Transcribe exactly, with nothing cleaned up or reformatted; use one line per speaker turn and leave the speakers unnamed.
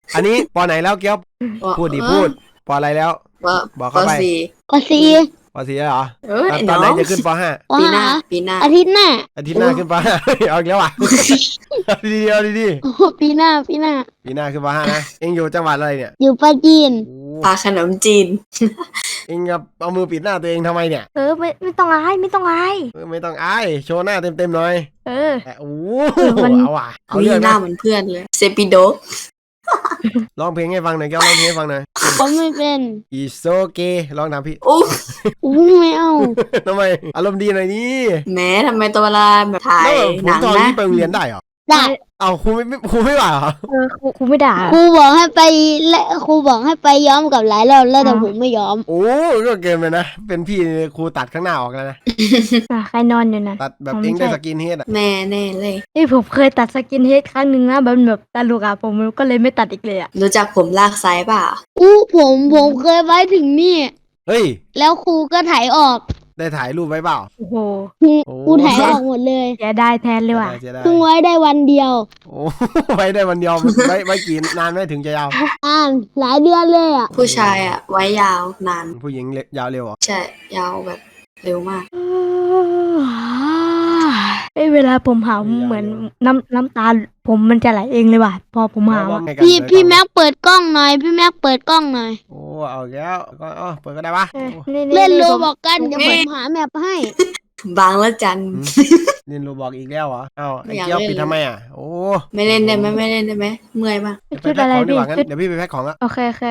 อันนี้ปอไหนแล้วเกี้ยวพูดดิพูดปออะไรแล้วบอกเข้าไป
ปสี่
ปอสี่แล้วเหรอ
เออ
ตอนไหนจะขึ้นปห้า
ปีหน้าปีหน้า
อาทิตย์หน้า
อาทิตย์หน้าขึ้นปห้าเอาอีกแล้วอ่ะเอาดีๆเอาดี
โอ้ปีหน้าปีหน้า
ๆปีหน้าขึ้นปห้านะเอ็งอยู่จังหวัดอะไรเนี่ย
อยู่ปราจีน
ปลาขนมจีน
เอ็งกับเอามือปิดหน้าตัวเองทำไมเนี่ย
เออไม่ไม่ต้องอายไม่ต้องอาย
ไม่ต้องอายโชว์หน้าเต็มๆหน่อย
เออ
โอ้
มัน
เอาว่ะเอา
มี
เรื่อง
หน้า
นะ
เหมือนเพื่อนเลยเซปิโด
ร้องเพลงให้ฟังหน่อยแก้วร้องเพลงให้ฟังหน่อย
ผมไม่เป็น
It's okay ร้องตามพี่
อู้
อู้ไม่เอา
ทำไมอารมณ์ดีหน่อยนี่
แม้ทำไมตัวเวลาแบบถ่าย
แล้วผ
ห
ม
นัง
ตอน
นะ
นี้ไปโรงเรียนได้เหรอ
ได้
เอาครูไม่ครูไม่ว่าเหรอ
เออครูครูไม่ด่า
ครูบอกให้ไปและครูบอกให้ไปย้อมกับหลายรอบแล้วแต่ผมไม่ย้อม
โอ้ก็เกินไปนะเป็นพี่ครูตัดข้างหน้าออกแล้วนะ
อ่ะใครนอนอยู่นะ
ตัดแบบ
ผม
เองได้
ใช่
สกินเฮดอ่ะ
แน่แน่เลย
เอ้ยผมเคยตัดสกินเฮดครั้งหนึ่งนะแบบแบบตลกอ่ะผมก็เลยไม่ตัดอีกเลยอ่ะ
รู้จักผมลากไซส์เปล่า
อู้ผมผมเคยไว้ถึงนี่
เฮ้ย
แล้วครูก็ถ่ายออก
ได้ถ่ายรูปไว้เปล่า
โอ้โห
ครู
โอ้
ครูถ่ายออกหมดเลย
เสียดายแทนเลยว่ะ
เสียดาย
เพิ่งไว้ได้วันเดียว
โอ้ ไว้ได้วันเดียวไว้ไว้กี่นานไหมถึงจะยาว
อ่านหลายเดือนเลยอ่ะ
ผู้ชายอ่ะ ไว้ยาวนาน
ผู้หญิงยาวเร็วเหรอ
ใช่ยาวแบบเร็วมาก
เอ้ยเวลาผมหาวเหมือนน้ำน้ำตาผมมันจะไหลเองเลยว่ะพอผมหาว
ว่า
อะ
ไงกัน
พี่
เปิด
พี่
กล้อง
แม็กเปิดกล้องหน่อยพี่แม็กเปิดกล้องหน่อย
โอ้เอาอีกแล้วก็อ๋อเปิดก็ได้ปะ
เออ
โอ้
นี่
เล่นโล
ผม
บอกกันเดี๋ยวผมหาแมปให้
บางละจัน
เล่นโรบอกอีกแล้วเหรอเอ้าไอ้
ไม่อยาก
เกี้ยว
เล่น
ปิดทำไมอ่ะโอ้
ไม่เล่นได้ไหมไม่เล่นได้ไหมเมื่อยมาก
เดี๋ยวไป
ชุด
แพ็ค
อะไร
ของดี
พี่
กว่างั้น
ชุด
เดี๋ยวพี่ไปแพ็คของละ
โอเคโอเค